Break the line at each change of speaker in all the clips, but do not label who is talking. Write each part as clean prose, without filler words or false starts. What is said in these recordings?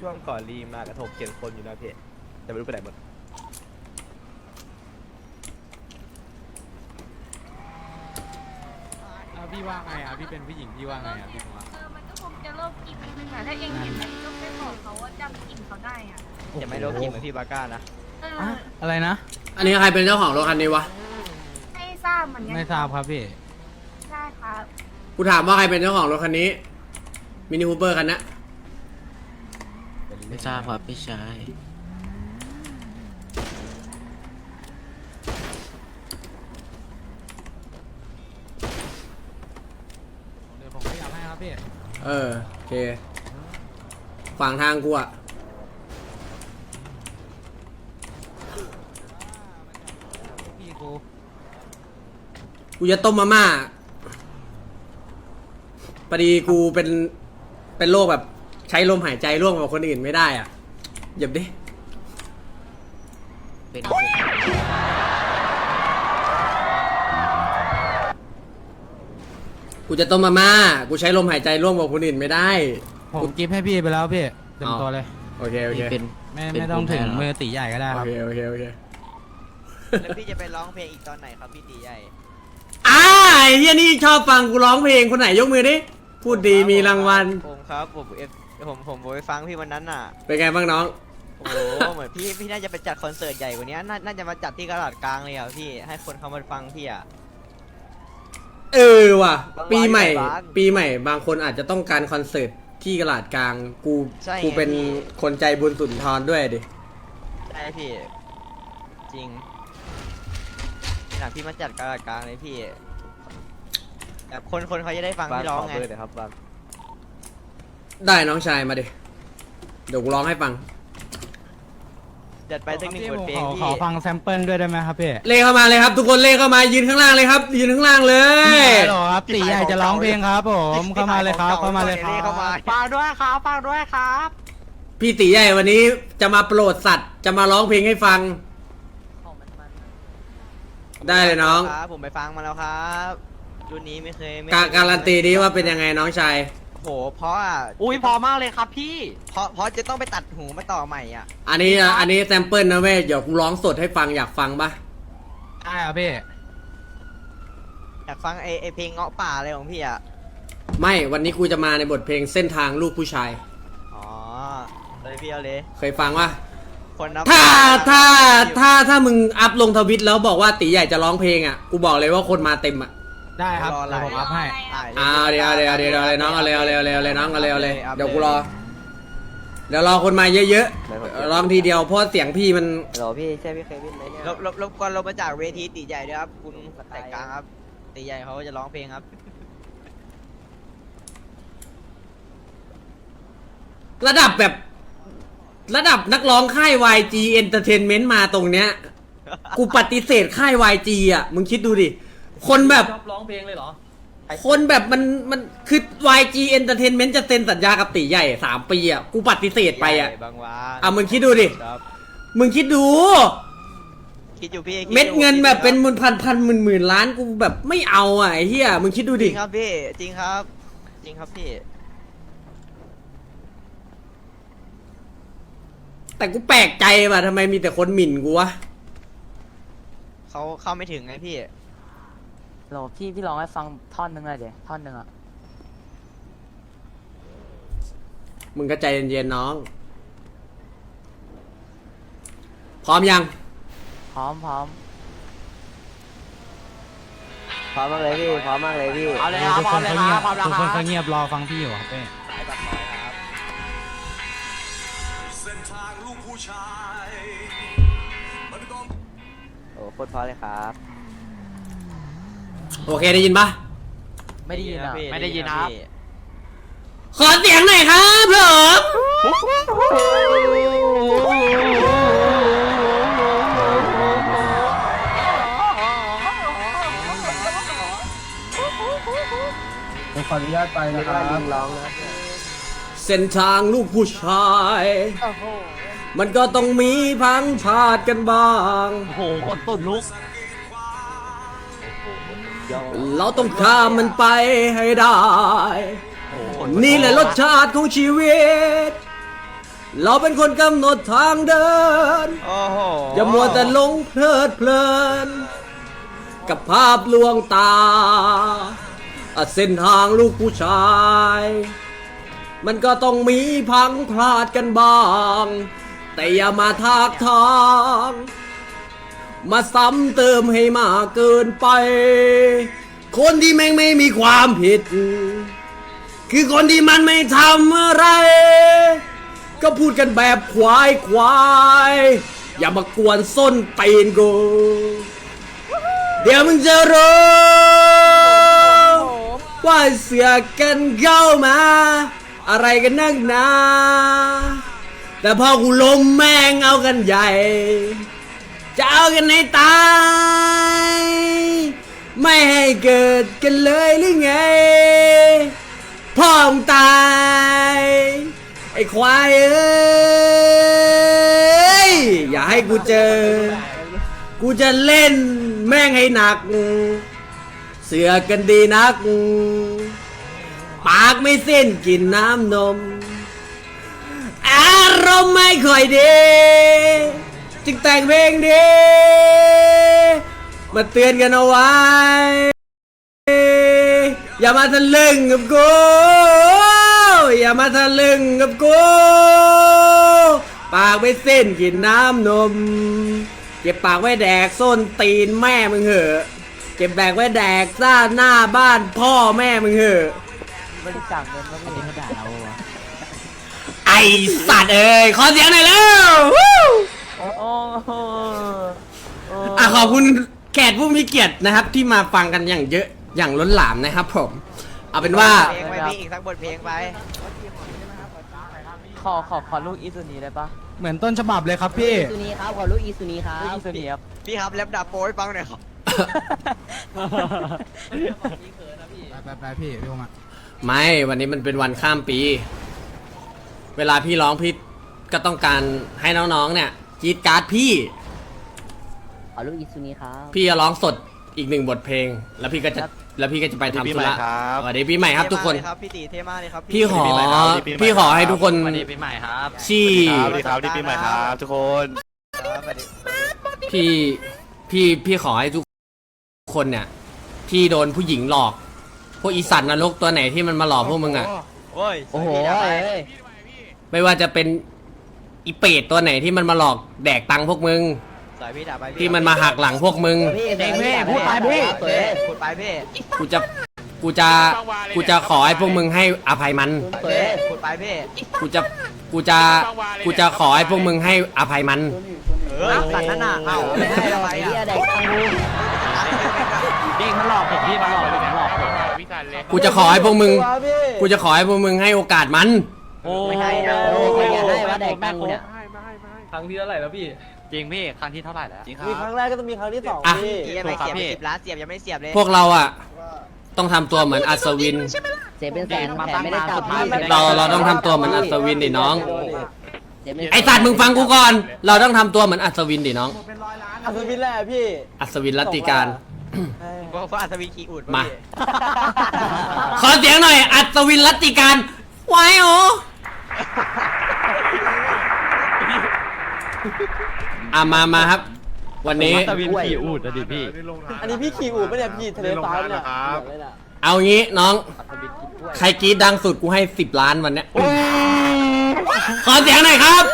ช่วงก่อนรีมากระทบเขียนคนอยู่นะพี่แต่ไม่รู้ไปไหนหมด
พี่ว่าไงอ่ะพี่เป็นผู้หญิงพี่ว่าไงอ่ะพี่ว่า
มันก็คงจะโรคกินนึงอ่ะถ้าเองเห็นอะไรก็ไม่บอกเขาว่าจำกลิ่นเขาได้อ่ะ
อย่าไม่โดนกินเหมือนพี่บาก้านะ
อะไรนะ
อันนี้ใครเป็นเจ้าของรถคันนี้วะ
ไม่ทราบเหมือนกัน
ไม่ทราบครับพี่
ใช่ครับ
กูถามว่าใครเป็นเจ้าของรถคันนี้มินิคูเปอร์คันนี้
ไม่ทราบครับพี่ชาย
เดี๋ยวผมขยับให้ครับพี่
โอเคขวางทางกูอะ
พี่กู
กูจะต้มมาม่าพอดีกูเป็นโรคแบบใช้ลมหายใจร่วมกับคนอื่นไม่ได้อ่ะเหยียบดิ
เป็น
กูจะต้มมาม่ากูใช้ลมหายใจร่วมกับคนอื่นไม่ได้
ผมกิฟต์ให้พี่ไปแล้วพี่เต็มตัวเลย
โอเคโอเค
เป็น
ไม่ต้องถึงมือตีใหญ่ก็ได้
โอ
ครับ
เคโอเคโอเค
แล้วพี่จะไปร้องเพลงอีกตอนไหนครับพี่ตีใหญ่
ไอ้เฮียนี่ชอบฟังกูร้องเพลงคนไหนยกมือดิพูดดีมีรางวัล
ผมครับผมไปฟังพี่วันนั้นน่ะ
เป็นไงบ้างน้อง
โอ้โหเหมือนพี่น่าจะไปจัดคอนเสิร์ตใหญ่กว่านี้น่าจะมาจัดที่กลาดกลางเลยอ่ะพี่ให้คนเขามาฟังพี่อ่ะ
เออว่ะ
บางวัน
ปีใหม่
บางวัน
ปีใหม่บางคนอาจจะต้องการคอนเสิร์ตที่กลาดกลางกู
ใช่ไง
กูเป็น
พี่
คนใจบุญสุนทรด้วยดิ
ใช่พี่จริงหนักพี่มาจัดกลาดกลางเลยพี่แบบคนเขาจะได้ฟังพี่ร้องไง
ได้น้องชายมาดิเดี๋ยวกูร้องให้ฟัง
จัดไปสักหนึ่งบทเพลง
ข
พี่
อฟังแซมเปิลด้วยได้ไหมครับพี่
เลขเข้ามาเลยครับ ทุกคนเลขเข้ามายืนข้างล่างเลยครับ ยืนข้างล่างเลย
ฮัลโหลครับตีใหญ่จะร้องเพลงครับผมเข้ามาเลยครับเข้ามาเลยครับ
เข้ามา
ฝากด้วยครับฝากด้วยครับ
พี่ตีใหญ่วันนี้จะมาโปรดสัตว์จะมาร้องเพลงให้ฟัง ได้เลยน้อง
ครับผมไปฟังมาแล้วครับรุ่นนี้ไม่เคย
การันตีดีว่าเป็นยังไงน้องชาย
โหเพราะอ่ะ
อุ้ยพอมากเลยครับพี่
เพราะจะต้องไปตัดหูมาต่อใหม่อ่ะ
อันนี้แซมเปิลนะเว้ยเดี๋ยวกูร้องสดให้ฟังอยากฟังปะ
ได้ครับพี่
อยากฟังไอเพลงเงาะป่าอะไรของพี่อ่ะ
ไม่วันนี้กูจะมาในบทเพลงเส้นทางลูกผู้ชาย
อ๋อเลยพี่เอาเลย
เคยฟังปะ
คนนับ
ถ้ามึงอัพลงทวิตแล้วบอกว่าตีใหญ่จะร้องเพลงอ่ะกูบอกเลยว่าคนมาเต็มอ่ะ
ได้ครับเดี๋ยวผมอัพให้
เดี๋ยวเลยน้องเอาเลยน้องเอาเลยเดี๋ยวกูรอ เดี๋ยวรอคนมาเยอะๆร้องทีเดียวเพราะเสียงพี่มัน
โหลพี่ใช่พี่เควินไหมเนี่ยรบกวนลงมาจากเวทีตีใหญ่ด้วยครับคุณแต่กลางครับตีใหญ่เขาจะร้องเพลงครับ
ระดับแบบระดับนักร้องค่าย YG Entertainment มาตรงเนี้ย กูปฏิเสธค่าย YG อ่ะมึงคิดดูดิคนแบบ
ชอบร้องเพลงเลยเหรอ
คนแบบมันคือ YG Entertainment จะเซ็นสัญญากับตีใหญ่3 ปีอ่ะกูปฏิเสธไปอ่ะ
บางวัน
มึงคิดดูดิ
ครับ
มึงคิดดู
คิดอยู่พี่
เม็ดเงินแบบเป็นพันหมื่นล้านกูแบบไม่เอาอ่ะไอ้เหี้ยมึงคิดดู
จ
ดิ
ริงครับพี่จริงครับ จริงครับพี่
แต่กูแปลกใจว่ะทำไมมีแต่คนหมิ่นกูวะ
เขาเข้าไม่ถึงไงพี่
เราพี่ร้องให้ฟังท่อนหนึงเลยเดี๋ยวท่อนหนึงอ่ะ
มึงก็ใจเย็นๆน้อง พร้อมยัง
พร้อม
พร้อมมากเลยพี่พร้อมมากเลยพี่
เอาเลยครับพร้อมเลยครับพร้อมแล้ว
ทุก
ค
คน
รับ
เขาเงียบรอฟังพี่อยู่ครับพี่
เส้นทางลูกผู้ชายมันก็
โอ้โคตรเพราะเลยครับ
โอเคได้ยินปะ
ไม่ได้ยินอ่ะ
ไม่ได้ยินครับ
ขอเสียงหน่อยครับผมขออนุญาตไปนะครับเส้นทางลูกผู้ชาย มันก็ต้องมีพังพาดกันบ้าง
โอ้โหคนตุ่นลุก
เราต้องข้ามมันไปให้ได้ นี่แหละรสชาติของชีวิตเราเป็นคนกำหนดทางเดิน
โอ้โห
อย่ามัวแต่หลงเพลิดเพลิน กับภาพลวงตาเส้นทางลูกผู้ชาย มันก็ต้องมีพังพลาดกันบ้าง แต่อย่ามาทากทางมาซ้ำเติมให้มากเกินไป คนที่แม่งไม่มีความผิด คือคนที่มันไม่ทำอะไร ก็พูดกันแบบควายอย่ามากวนส้นตีนกูเดี๋ยวมึงจะรู้ว่าเสือกกันเข้ามา อะไรกันนักหนาแต่พอกูล้มแม่งเอากันใหญ่จะเอากันให้ตายไม่ให้เกิดกันเลยหรือไงพ่อมึงตายไอ้ควายเอ้ยอย่าให้กูเจอกูจะเล่นแม่งให้หนักเสือกกันดีนักปากไม่เส้นกินน้ำนมอารมณ์ไม่ค่อยดีจึงแต่งเพลงดีมาเตือนกันเอาไว้อย่ามาทะลึ่งกับกูอย่ามาทะลึ่งกับกูปากไม่เส้นกินน้ำนมเก็บปากไว้แดกส้นตีนแม่มึงเหอะเก็บแบกไว้แดกซ่าหน้าบ้านพ่อแม่มึงเหอะ
บริจาคเงินมาพี่เขาด่าเราอะ
ไอสัตว์เอ้ยขอเสียงหน่อยแล้ว
โอ้โห
ขอบคุณแขกผู้มีเกียรตินะครับที่มาฟังกันอย่างเยอะอย่างล้นหลามนะครับผมเอาเป็นว่า
เพลงไปพี่อีกสักบทเพลงไป
ขอลูกอีซูนีได้ปะ
เหมือนต้นฉบับเลยครับพี่
ซูนีครับขอลูกอีซูนีครับ
ลูกอีซูนีครับ
พี่ครับแรปดาบโป้ให้ฟังหน่อยครับ
ไปพี่พี่มา
ไม่วันนี้มันเป็นวันข้ามปี เวลาพี่ร้องพี่ก็ต้องการให้น้องๆเนี่ยกรีดการ์ดพี่
ขอลูกอีซูนีครับ
พี่จะร้องสดอีก1 บทเพลง แล้วพี่ก็จะไปทำธุระสวัสดีปีใหม่ครับทุกคน
เท่มากเลยครับพี่ตีเท่มากเลยครับ
พี่ขอให้ทุกคน
วันนี้ปีใหม่ครับ
ที่
สวัสดีครับดีปีใหม่ครับทุกคน
ครับสวัสดี
พี่ขอให้ทุกคนเนี่ยที่โดนผู้หญิงหลอก พวกอีสัตว์นรกตัวไหนที่มันมาหลอกพวกมึงอ่ะ
โอ้ย
โอ้โห
สวัสดี
เอ้ย
ไม่ว่าจะเป็นอีเป็ดตัวไหนที่มันมาหลอกแดกตังค์พวกมึง
สายพี่ด่าไปพี่
ที่มันมาหักหลังพวกมึง
พี่พูดไปพี่
พูดไปพี่
กูจะขอให้พวกมึงให้อภัยมัน
พูดไปพี่
กูจะขอให้พวกมึงให้อภัยมัน
สัตว์นั่นน่ะเอ้า
ไม่ได้หรอก
ไป
ไอ้
อ่ะ
เหี้ยเด็กตังกู
เด็กมันหลอกผมพี่มันหลอกผมหลอกผม
กูจะขอให้พวกมึงให้โอกาสมัน
โอ้
ไม่ให้นะ
โอ้ยอยากได้ว่าเด็กตังกูเนี่ย
ครั้งที่เท่าไหร่แล้วพี่ จริงพี่ครั้งที่เท่าไหร่แล้วจริงครับ
มีครั้งแรกก็ต้องมีครั้งที่สอง
อ่ะ
พี่
เสียบไปเสียบไป10 ล้านเสียบยังไม่เสียบเลย
พวกเราอ่ะต้องทำตัวเหมือนอัศวิน
เสียเป็นแสนแถมไม่ได้กลับพี่
เราต้องทำตัวเหมือนอัศวินดิน้อง
เสียเป็น
ไอสัตว์มึงฟังกูก่อน เราต้องทำตัวเหมือนอัศวินดิน้อง
อัศวินแหละพี่
อัศวินรัตติการ
เพราะอัศวินขี่อูด
มา ขอเสียงหน่อย อัศวินรัตติการไว้โอมาครับ วันนี้
ตะวินขี่อูดนะดิพี่
อันนี้พี่ขี่อู่ปะเนี่ยพี่ทะเลฟ้าเนี่ย
เอางี้น้อง ใครกรีดดังสุดกูให้10 ล้านวันเนี้ยขอเสียงหน่อยครับ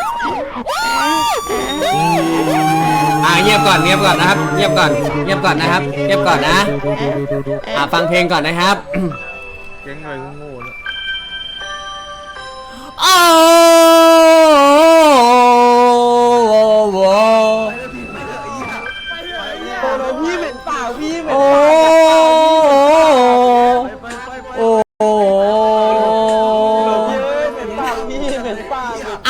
เงียบก่อนนะครับ เงียบก่อนนะครับ เงียบก่อนนะฟังเพลงก่อนนะครับเก่งหน่อยกูโง่แล้วโอ้โห
โดนพี่เหม็นเปล่าพี่เหม็น
โอ้โอ้
เหม็นเปล่าพี่เหม็นเปล่า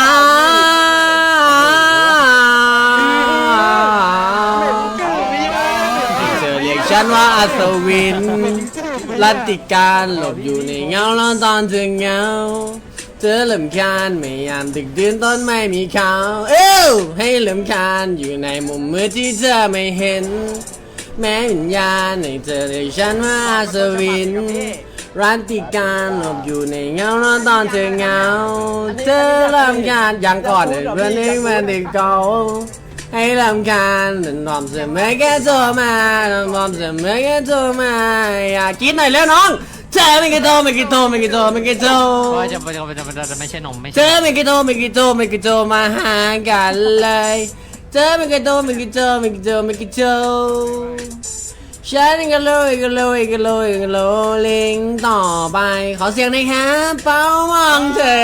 เธอเรียกฉันว่าอัศวินรัตติการหลบอยู่ในเงาแล้วตอนเธอเหงาเธอลำคาญไม่ยามดึกดื่นต้นไม่มีเขาให้ลำคาญอยู่ในมุมมืดที่เธอไม่เห็น แม้วิญญาณในเธอเรียกฉันว่าอัศวินรันติการหลบอยู่ในเงาแล้วตอนเธอเหงาเธอเริ่มการยังก่อนเพื่อนเองมาติดเก่าให้รำคาญนอมเสมอแค่โทรมานอมเสมอแค่โทรมาอยากกินหน่อยแล้วน้องเธอไม่กี่โทรไม่กี่โทรไม่กี่โทรไม่กี่โทร
จะไม่ใช่นมไม่
เธอไม่กี่โทรไม่กี่โทรไม่กี่โทรมาหากันเลยเธอไม่กี่โทรไม่กี่โทรไม่กี่โทรไม่กี่โทรฉันก็เลยก็เลยก็เลยก็เลยลิงต่อไปขอเสียงหน่อยครับเป้ามองเธอ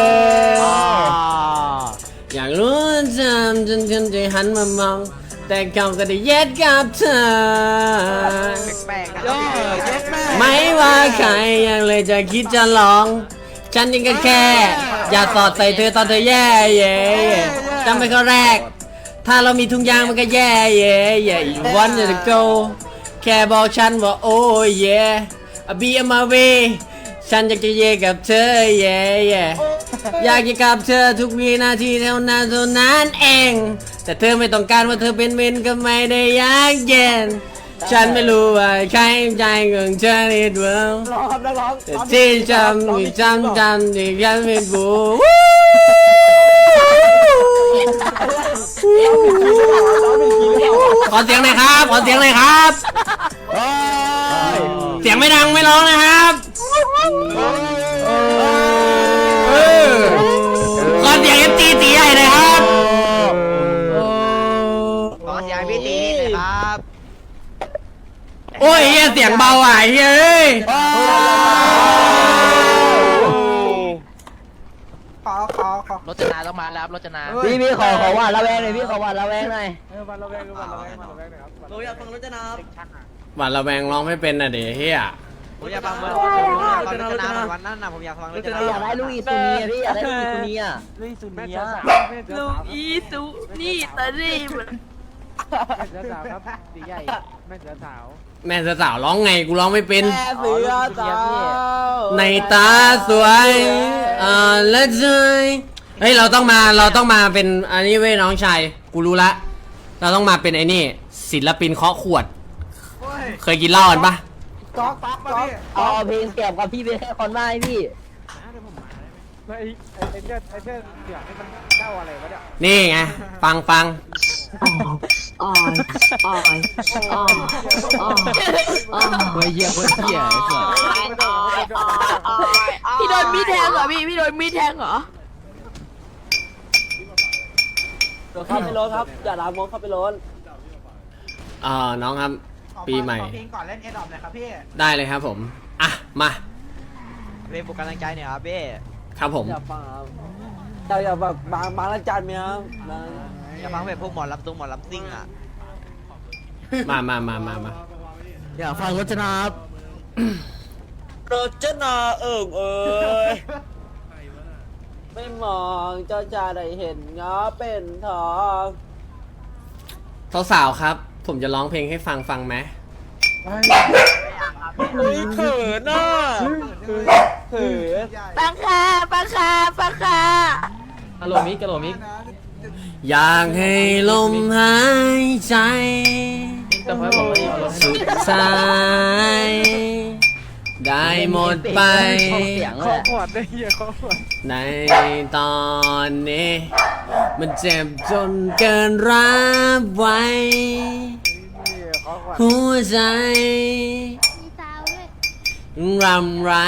อยากรู้จำจนจะหันมามองแต่เขาก็ได้เย็ดกับเธอ
แปลกๆนะพี่
ไม่ว่าใครยังเลยจะคิดจะลอง ฉันยังก็แค่ อย่าสอดใส่เธอตอนเธอแย่เย่จำไปข้อแรก ถ้าเรามีทุงยางมันก็แย่เย่เย่อีวันจะ go แค่บอกฉันว่าโอ้เย่be on my way ฉันอยากจะเย่กับเธอเย่เย่อยากจะกับเธอทุกวินาทีเท่านั้นเอง แต่เธอไม่ต้องการว่าเธอเป็นเมนก็ไม่ได้อยากเย็น ฉันไม่รู้ว่าใครใจของเธอนิดเดียวแต่ที่จำที่ที่ฉันไม่รู้ขอเสียงหน่อยครับขอเสียงหน่อยครับ เสียงไม่ดังไม่ร้องนะครับขอเสียงตีใหญ่เลยครับ
ขอเสียงพี่ตีหน่อยครับ
โอ้ยเฮียเสียงเบาอ่ะเฮ้ย
รถจนาต้องมาแล้วรถจนา
พี่ขอหวานระแวงหน่อยพี่ขอหวานระแวงหน่อย
หวานระแวงร้องไม่เป็นน่ะเดี๋ยวเฮีย
ผมอยากฟังเมื่อฟังรจนาวันนั้นน่ะผมอยากฟังรจนา
อยากได้ลูกอีซูนีพี่อยากได้ลูกอีซูนีอ่ะ
ลุยสุนีย
ลูกอีสุนี่ตะรีบ
แม่สาวร้องไงกูร้องไม่เป็น
เสือสาว
ในตาสวยและใจเฮ้ยเราต้องมาเป็นอันนี้เว้ยน้องชายกูรู้ละเราต้องมาเป็นไอ้นี่ศิลปินเคาะขวดเคยกินเหล้ากันปะ
เอาเพลงแก็บกับพี่เป็นแค่คนบ้าพี่
นี่ไงฟัง
อ๋อยเฮ้ยเหี้ยคนเหี้ยไอ้สัส
พี่โดนมีดแทงเหรอพี่โดนมีดแทงเหรอ
เข้าไปรถครับอย่าล้างมองเข้าไปรถ
น้องครับปีใหม่
เพลงก่อนเล่นเอ็ดดอปเลยครับพี่
ได้เลยครับผมอ่ะมา
เพลงปลุกกำลังใจหน่อยครับพี่
ครับผม
อย่าฟังครับอย่าแบบบางละจานเมียครับ
อยากฟังแบบพวกหมอลำตุ้งหมอลำซิ่งอ่ะ
มา
อย่าฟังรถจนาครับ
รถจนาเอ้ย
ไม่มองเจ้าจะได้เห็นง้อเป็นทอง
สาวๆครับ ผมจะร้องเพลงให้ฟังไหม
เฮ้ยเขินอ่ะ
เหือ
ปังคา
กะโหลมิก
อยากให้ลมหายใจ
แต่พอบอกว่าอย่ารถ
สุดท้ายได้หมดไป
เสียงเลย
ในตอนนี้ มันเจ็บจนเกินรับไว้ หัวใจรำไร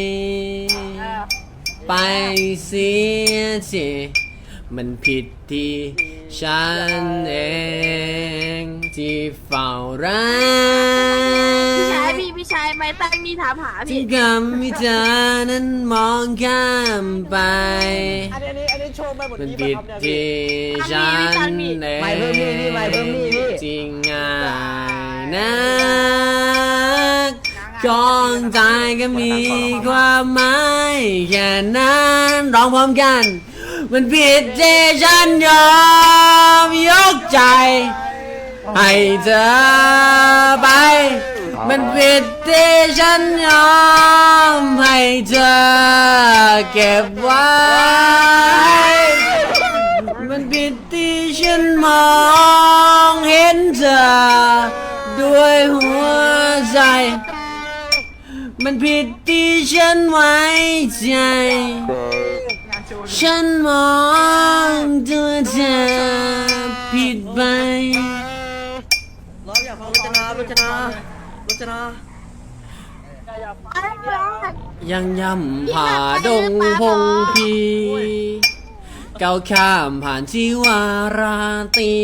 ไปเสียทีมันผิดที่ฉันเองที่เฝ้ารัก
พี่ชายไม่ตั้งมีถามหา
ที่
พี่
กำให้เธอนั้นมองข้ามไป
อันนี้โชว์ไปหมด
มัน
นี้
ผิด
ครับเนี่ย
ที่ฉันเอง
ไม่เพิ่มนี่พี่ไม่เพิ่มนี่พี่
จริงง่ายนักของใจก็มีความหมายแค่นั้นร้องพร้อมกัน มันผิดที่ฉันยอมยกใจ ให้เธอไป มันผิดที่ฉันยอมให้เธอเก็บไว้ มันผิดที่ฉันมองเห็นเธอด้วยหัวใจมันผิดที่ฉันไว้ใจ ฉันมองตัวเธอผิดไปเราอยากฟังรจนายังย่ำผ่าดงพงพีก้าวข้ามผ่านชีวาราตรี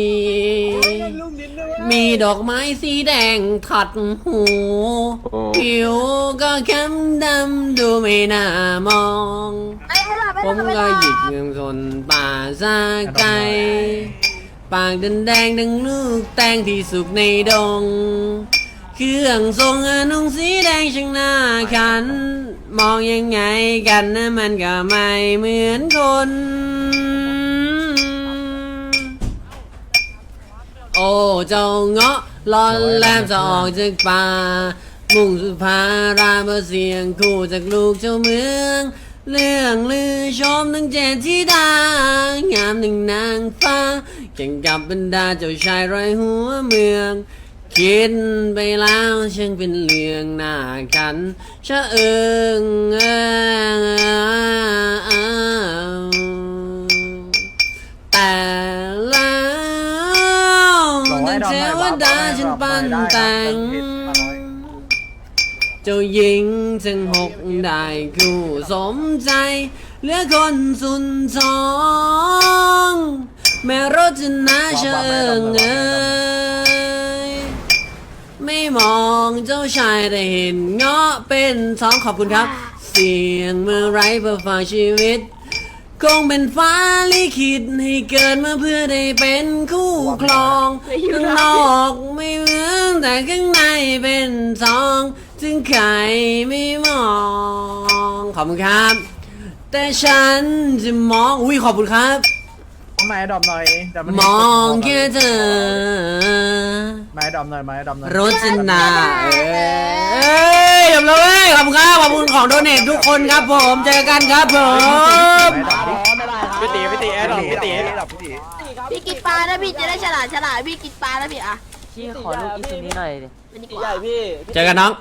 มีดอกไม้สีแดงขัดหูผิวก็เข้มดำดูไม่น่ามองผมก็หยิกเงินสนป่าซาไกปากแดงดังลูกแตงที่สุกในดงเครื่องทรงนุ่งสีแดงช่างน่าขันมองยังไงกันนะมันก็ไม่เหมือนคนโอ้เจ้าเงาะลอนแลมจะออกจากป่ามุ่งสุภาราเบอร์เสียงคู่จากลูกเจ้าเมืองเรื่องลือชมทั้งเจ็ดที่ดางามหนึ่งนางฟ้าแข่งกับบรรดาเจ้าชายร้อยหัวเมืองคิดไปแล้วช่างเป็นเรื่องน่ากันชะเอิงแต่แล้วดังเทวดาฉันปั้นแต่งเจ้าหญิงทั้งหกได้คู่สมใจเหลือคนสุนทองแม่รจนาเชิงไม่มองเจ้าชายแต่เห็นเงาะเป็นท้องขอบคุณครับเสียงเมื่อไรเพื่อฝากชีวิตคงเป็นฟ้าลิขิตให้เกิดมาเพื่อได้เป็นคู่ครองข้างนอกไม่เหมือนแต่ข้างในเป็นทองถึงใครไม่มองขอบคุณครับแต่ฉันจะมองอุ้ยขอบคุณครับ
ไม้ดอมหน่อย
มองแค่เธอ
ไม้ดอมหน่อยไม้ดอมหน่อย
รจนาจบเลยขอบคุณครับขอบคุณของโดเนททุกคนครับผมเจอกันครับผม
พี่ตีแอร์ดอกพี่ตี
พี่กินปลานะพี่จะได้ฉลาดพี่กินปลานะพี่อ่ะ
พี่ขอลูกอีซูนี้หน่อยดิ
มันดีก
พี่
ว่า
ใหญ่พี่
เจอกันน้อง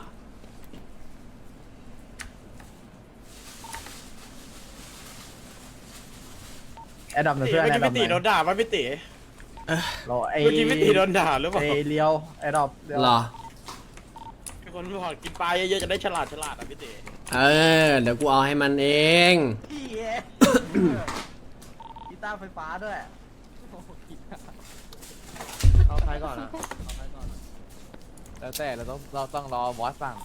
แอดดอมหน่อยเพื่อนแอดดอมหน่อย
โดนด่าป่ะพี่ตี
รอไอ้
เมื่อกี้พี่ตีโดนด่าหรือเปล่า
ไอ้เลี้ยวแอดดอม
หรอ
คนบอกกินปลาเยอะๆจะได้ฉลาดอ่ะพี่ตี
เดี๋ยวกูเอาให้มันเอง
กีตาร์ไฟฟ้าด้วย
เอาใครก่อนนะแล้วแต่เราต้องรอบอสสั่ง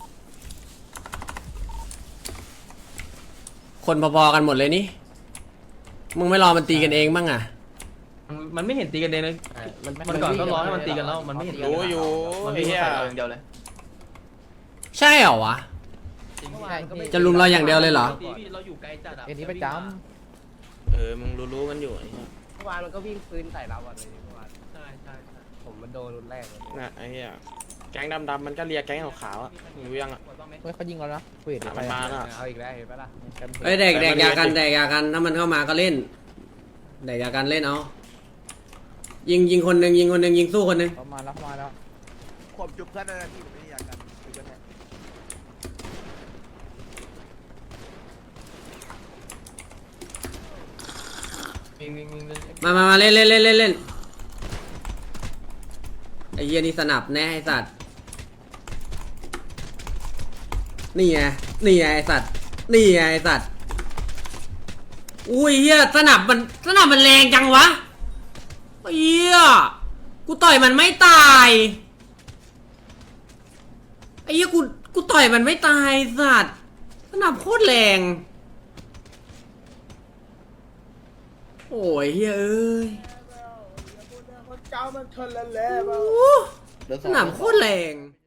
คนพอๆกันหมดเลยนี่ มึงไม่รอมันตีกันเองบ้างอ่ะ
มันไม่เห็นตีกันเองเลยมันก่อนก็ร้องให้มันตีกันแล้วมันไม่เห็น
รู้อยู่
มัน
ไอ้
ไม่
เหี้ย
ใช่เราอย่างเดียวเลย
ใช่เหรอวะ จะลุมเราอย่างเดียวเลยเหรอ
เราอยู่ไกลจัดอ่ะ
เอ็นนี้ประจ
มึงรู้กันอยู่ไอ้เหี้ย
เมื่อวานมันก็วิ่งปืนใส่เราอ่ะเลยเมื่อวาน
ใช่ใช่
ผมมันโดนรุนแรกเลย
น่ะไอ้เหี้ยแก๊งดำๆมันก็เลียแก๊งขาวๆอ่ะรู้ยังอ่ะ
เฮ้ยเขายิงเรานะเวท
มันมาแล้ว
เอาอีกแล้วเห็นปะล่ะ
เอ้ยแดกยากันถ้ามันเข้ามาก็เล่นแดกยากันเล่นเอายิงคนหนึ่งยิงสู้คนหนึ่ง
ประมาณแล้ว
ผมจุบเพื่อนนะพี่ผมไม่อยากกันจุบเพื่อน
มาเล่นไอ้เหี้ยนี่สนับแน่ไอ้สัตว์นี่ไงไอ้สัตว์อุ้ยเหี้ยสนับมันแรงจังวะเหี้ยกูต่อยมันไม่ตายไอ้เหี้ยกูต่อยมันไม่ตายสัตว์สนับโคตรแรงโอ้ยเฮ้ยเอ้ยสนามโคตรแรง